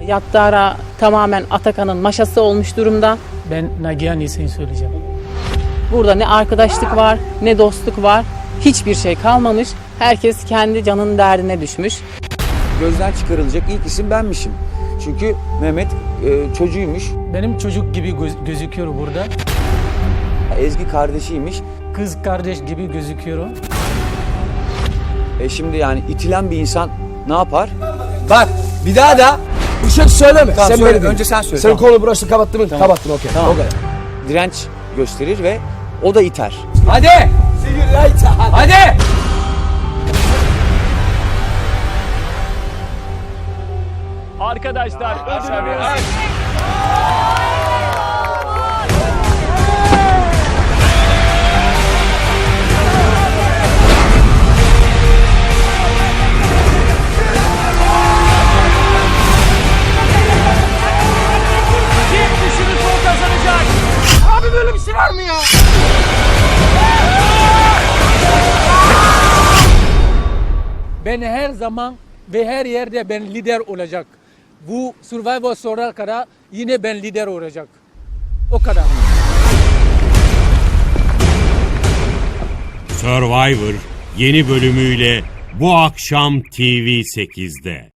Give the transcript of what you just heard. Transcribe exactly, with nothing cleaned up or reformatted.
Yattara tamamen Atakan'ın maşası olmuş durumda. Ben Nagihan iyisini söyleyeceğim. Burada ne arkadaşlık var, ne dostluk var. Hiçbir şey kalmamış. Herkes kendi canının derdine düşmüş. Gözden çıkarılacak ilk isim benmişim. Çünkü Mehmet e, çocuğuymuş, Benim çocuk gibi göz- gözüküyor burada. Ezgi kardeşiymiş. Kız kardeş gibi gözüküyor. E şimdi yani itilen bir insan ne yapar? Bak bir daha da bir şey söyleme. Tamam, sen söyle. böyle dedin. Önce sen söyle, Sen tamam. konu burası kapattın mı? Tamam. Kapattın okey. Tamam. O kadar. Direnç gösterir ve o da iter. Hadi. Hadi. Arkadaşlar ödülümüz kim düşünürse o kazanacak. Abi böyle bir şey var mı ya? Ben her zaman ve her yerde ben lider olacak. Bu Survivor sonra kadar yine ben lider olacak. O kadar. Survivor yeni bölümüyle bu akşam T V sekizde.